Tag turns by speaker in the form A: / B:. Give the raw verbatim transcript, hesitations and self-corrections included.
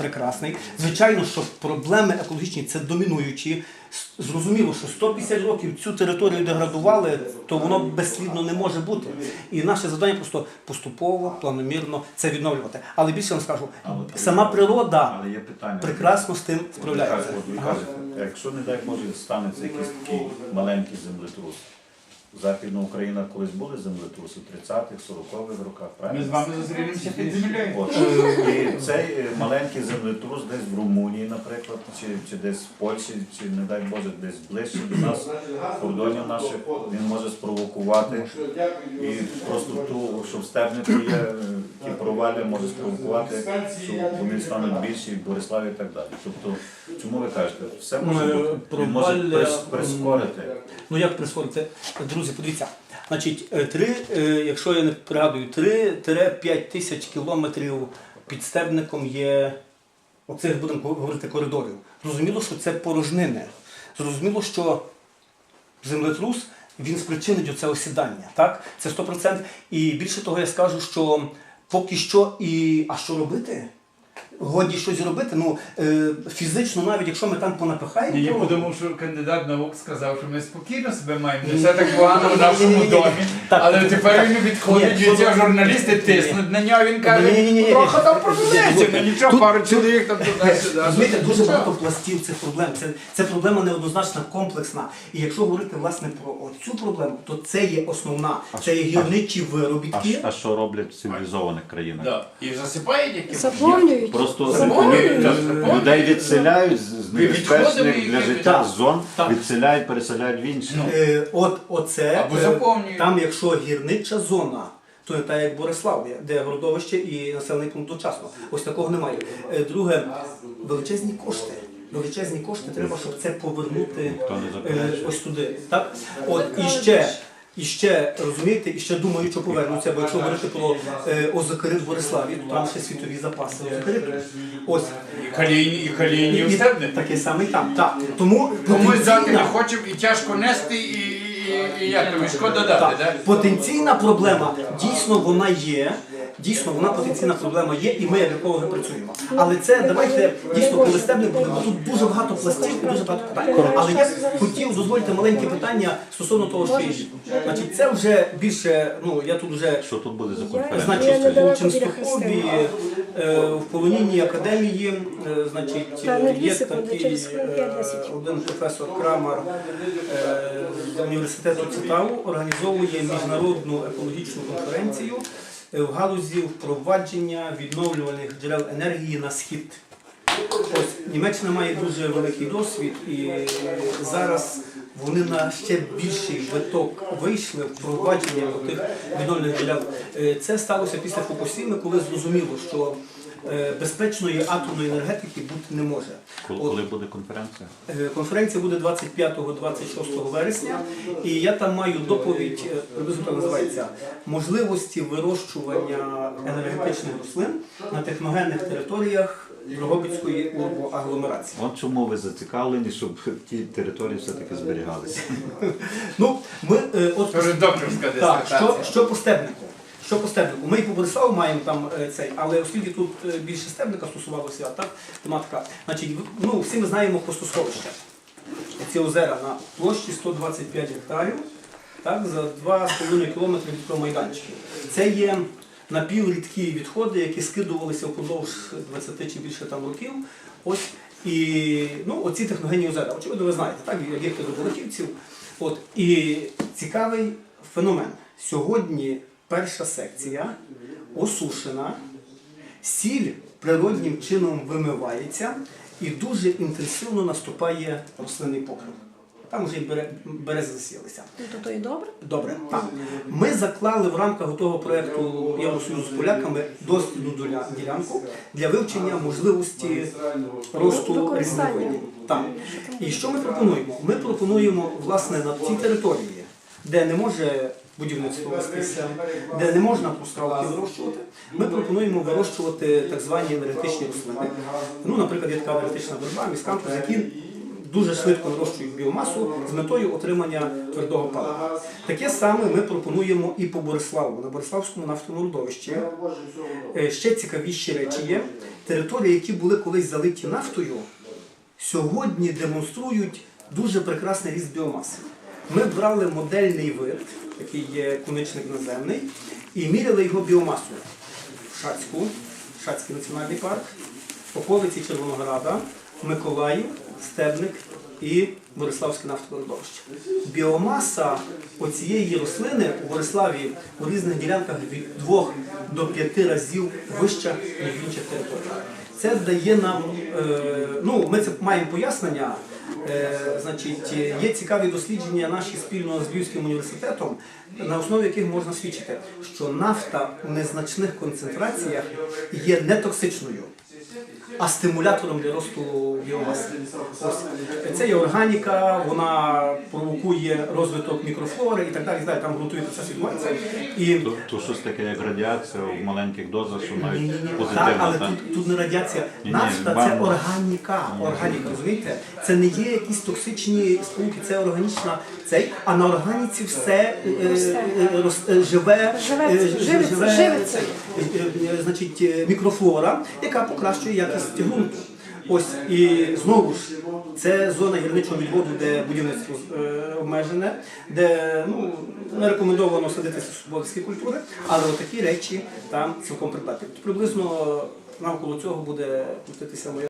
A: прекрасний. Звичайно, що проблеми екологічні – це домінуючі. Зрозуміло, що сто п'ятдесят років цю територію деградували, то воно безслідно не може бути. І наше завдання просто поступово, планомірно це відновлювати. Але більше вам скажу, сама природа
B: Але є питання.
A: прекрасно з тим справляється.
B: От ви кажете, якщо, не дай Боже, станеться якийсь такий маленький землетрус. Західна Україна колись були землетруси в тридцятих, сорокових роках, правильно?
C: Ми з вами зустрінемося під землею.
B: От. І цей е, маленький землетрус десь в Румунії, наприклад, чи, чи десь в Польщі, чи, не дай Боже, десь ближче до нас, кордонів наших, він може спровокувати. І просто ту, що в Стебнику є, е, ті провалля може спровокувати, що вони стануть більші, в Бориславі і так далі. Тобто, чому ви кажете, все може бути, він може прис- прискорити.
A: Ну як прискорити? Друзі, подивіться, значить, три, якщо я не пригадую, три-п'ять тисяч кілометрів під Стебником є, оцих, будемо говорити, коридорів. Зрозуміло, що це порожнини. Зрозуміло, що землетрус, він спричинить оце осідання, так? Це сто відсотків. І більше того, я скажу, що поки що і... А що робити? Годі щось робити, ну е, фізично, навіть якщо ми там понапихаємо.
C: Я
A: то...
C: подумав, що кандидат наук сказав, що ми спокійно себе маємо, не все так погано в нашому домі. Але тепер він відходить, і ці журналісти тиснуть на нього, він каже, трохи там проблемці, ну нічого, пару чоловік там туди-сюди.
A: Розумієте, дуже багато пластів цих проблем. Це, це проблема неоднозначна, комплексна. І якщо говорити власне про цю проблему, то це є основна. Це є гірничі виробітки.
B: А, а що роблять в цивілізованих країнах?
C: Да. І засипають які?
D: Заповнюють.
B: Просто
C: Заповнюють, так,
B: е,
C: заповнюють.
B: людей відселяють з з небезпечних
C: відходимо,
B: для
C: і-
B: життя
A: Так,
B: зон,
A: так.
B: відселяють, переселяють в інші.
C: Ну.
A: Е, от оце,
C: Або
A: е,
C: заповнюють.
A: там якщо гірнича зона, то не так як Борислав, де городовище і населений пункт одночасно. Ось такого немає. Е, Друге, величезні кошти. Величезні кошти треба, щоб це повернути е, ось туди. Так? От, і ще, і ще, розумієте, і ще думаю, що повернуться, бо якщо говорити про е, озокерит в Бориславі, то там ще світові запаси озокериту. Ось.
C: І калійні, і калійні
A: І
C: устебники.
A: такий самий там. Так. Тому
C: Комусь взяти не
A: потенційна-
C: хочемо і тяжко нести, і, і, і як тобі шкода дати,
A: Так,
C: так?
A: потенційна проблема, дійсно вона є, дійсно вона потенційна проблема є, і ми як екологи працюємо. Але це, давайте, дійсно, коли стебник буде, бо тут дуже багато пластів і дуже багато питань. Але я б хотів дозволити маленьке питання стосовно того, що є. Значить, це вже більше, ну, я тут вже,
B: Що тут буде за конференція?
A: значить,
D: недалеко
A: у Ченстохові,
D: біля
A: е, в Полонінній академії, е, значить,
D: Та, на дві
A: є
D: секунди,
A: такий
D: через хвилин
A: е,
D: п'ять-десять.
A: один професор Крамар е, з університету Цитаву організовує міжнародну екологічну конференцію е, в галузі впровадження відновлювальних джерел енергії на схід. Ось Німеччина має дуже великий досвід, і зараз вони на ще більший виток вийшли впровадження тих відновлювальних джерел. Е, Це сталося після Фукусіми, коли зрозуміло, що е, безпечної атомної енергетики бути не може.
B: Коли,
A: От,
B: коли буде конференція?
A: Е, Конференція буде двадцять п'ятого - двадцять шостого вересня, і я там маю доповідь, е, приблизно так називається, можливості вирощування енергетичних рослин на техногенних територіях Дрогобицької урбоагломерації.
B: От чому ви зацікавлені, щоб ті території все-таки зберігалися?
A: Ну, ми, е, от,
C: Це вже докторська
A: так,
C: дисертація.
A: що, що по стебнику? Що по стебнику? Ми і по Бориславу маємо там е, цей, але оскільки тут е, більше стебника стосувалося, так, тематика, значить, в- ну, всі ми знаємо хвостосховища. Ці озера на площі сто двадцять п'ять гектарів, так, за два з половиною кілометри від майданчиків. Це є напіврідкі відходи, які скидувалися впродовж двадцяти чи більше там років. Ось, і ну, оці техногенні озера, очевидно, ви знаєте, так, об'єкти добротівців. От, і цікавий феномен. Сьогодні перша секція осушена, сіль природнім чином вимивається і дуже інтенсивно наступає рослинний покрив. Там вже і бере- берези засіялися.
D: Ну, то, то і добре.
A: Добре. Так. Ми заклали в рамках того проєкту Євросоюзу з поляками дослідну доля- ділянку для вивчення можливості росту
D: Використання.
A: різновидів. Так. І що ми пропонуємо? Ми пропонуємо, власне, на цій території, де не може будівництво вестися, де не можна пускалки вирощувати, ми пропонуємо вирощувати так звані енергетичні рослини. Ну, наприклад, є така енергетична верба, міскантус, які дуже швидко нарощують біомасу з метою отримання твердого палива. Таке саме ми пропонуємо і по Бориславу. На Бориславському нафтовому родовищі е, ще цікавіші речі є. Території, які були колись залиті нафтою, сьогодні демонструють дуже прекрасний ріст біомаси. Ми брали модельний вид, такий є куничник наземний, і міряли його біомасу в Шацьку, Шацький національний парк, околиці Червонограда, Миколаїв, Стебник і Бориславське нафтове родовище. Біомаса оцієї рослини у Бориславі у різних ділянках від двох до п'яти разів вища, ніж в інших територіях. Це дає нам, е, ну, ми це маємо пояснення, е, значить, є цікаві дослідження наші спільно з Львівським університетом, на основі яких можна свідчити, що нафта у незначних концентраціях є не токсичною, а стимулятором для росту біомаси. Ось. Це є органіка, вона провокує розвиток мікрофлори і так далі, і далі. Там ґрунтовий процес відбувається. І...
B: То, то щось таке, як радіація в маленьких дозах, що навіть
A: Ні-ні-ні.
B: позитивно.
A: Так, але
B: так?
A: тут, тут не радіація.
B: Ні-ні,
A: Нафта це
B: вам-
A: органіка. Органіка, розумієте? Це не є якісь токсичні сполуки, це органічна цей, а на органіці все е, е, е, рос- е, живе,
D: Живе-
A: е,
D: живиться,
A: живе,
D: живиться.
A: е, е, значить, е, мікрофлора, яка покращує якість ґрунту. Ось, і знову ж, це зона гірничого відводу, де будівництво е, обмежене, де ну, не рекомендовано садити сільськогосподарські культури, але отакі речі там цілком придатні. Приблизно навколо цього буде крутитися моя.